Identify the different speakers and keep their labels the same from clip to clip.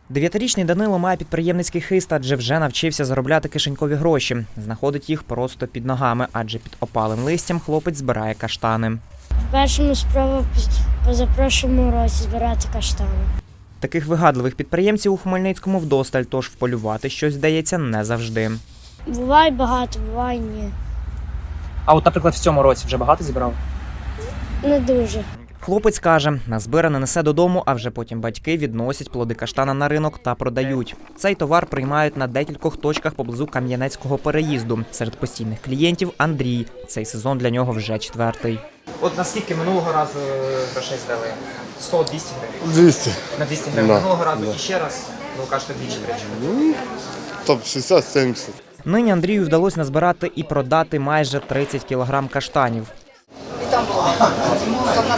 Speaker 1: Дев'ятирічний Данило має підприємницький хист, адже вже навчився заробляти кишенькові гроші. Знаходить їх просто під ногами, адже під опалим листям хлопець збирає каштани.
Speaker 2: Першому спробував позапрошлому році збирати каштани.
Speaker 1: Таких вигадливих підприємців у Хмельницькому вдосталь, тож вполювати щось вдається не завжди.
Speaker 2: Буває багато, буває ні.
Speaker 1: А от, наприклад, в цьому році вже багато зібрав?
Speaker 2: Не дуже.
Speaker 1: Хлопець каже, назбиране несе додому, а вже потім батьки відносять плоди каштана на ринок та продають. Цей товар приймають на декількох точках поблизу Кам'янецького переїзду. Серед постійних клієнтів – Андрій. Цей сезон для нього вже четвертий. От наскільки минулого разу грошей здали? 100-200 гривень?
Speaker 3: 200.
Speaker 1: На 200 гривень.
Speaker 3: Да.
Speaker 1: Минулого разу
Speaker 3: Да.
Speaker 1: і ще раз, ви кажете, двічі тричі.
Speaker 3: Топ 60-70.
Speaker 1: Нині Андрію вдалося назбирати і продати майже 30 кілограм каштанів.
Speaker 4: Там на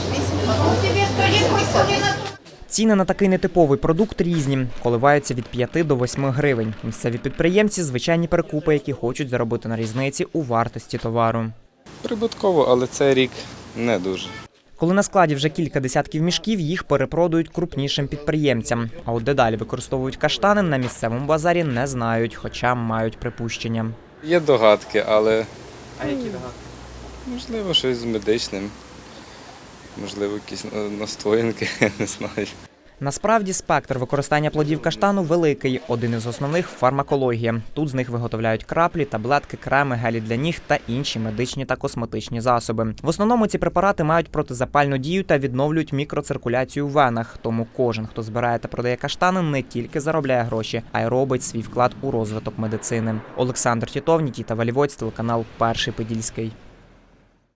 Speaker 4: 128.
Speaker 1: Ціни на такий нетиповий продукт різні, коливаються від 5 до 8 гривень. Місцеві підприємці – звичайні перекупи, які хочуть заробити на різниці у вартості товару.
Speaker 5: Прибутково, але цей рік не дуже.
Speaker 1: Коли на складі вже кілька десятків мішків, їх перепродають крупнішим підприємцям. А от дедалі використовують каштани, на місцевому базарі не знають, хоча мають припущення.
Speaker 5: Є догадки, але
Speaker 1: А які догадки?
Speaker 5: можливо щось з медичним, можливо якісь настоянки, я не знаю.
Speaker 1: Насправді спектр використання плодів каштану великий. Один із основних – фармакологія. Тут з них виготовляють краплі, таблетки, креми, гелі для ніг та інші медичні та косметичні засоби. В основному ці препарати мають протизапальну дію та відновлюють мікроциркуляцію в венах. Тому кожен, хто збирає та продає каштани, не тільки заробляє гроші, а й робить свій вклад у розвиток медицини. Олександр Тітов, Нікіта Валівоць, телеканал «Перший Подільський».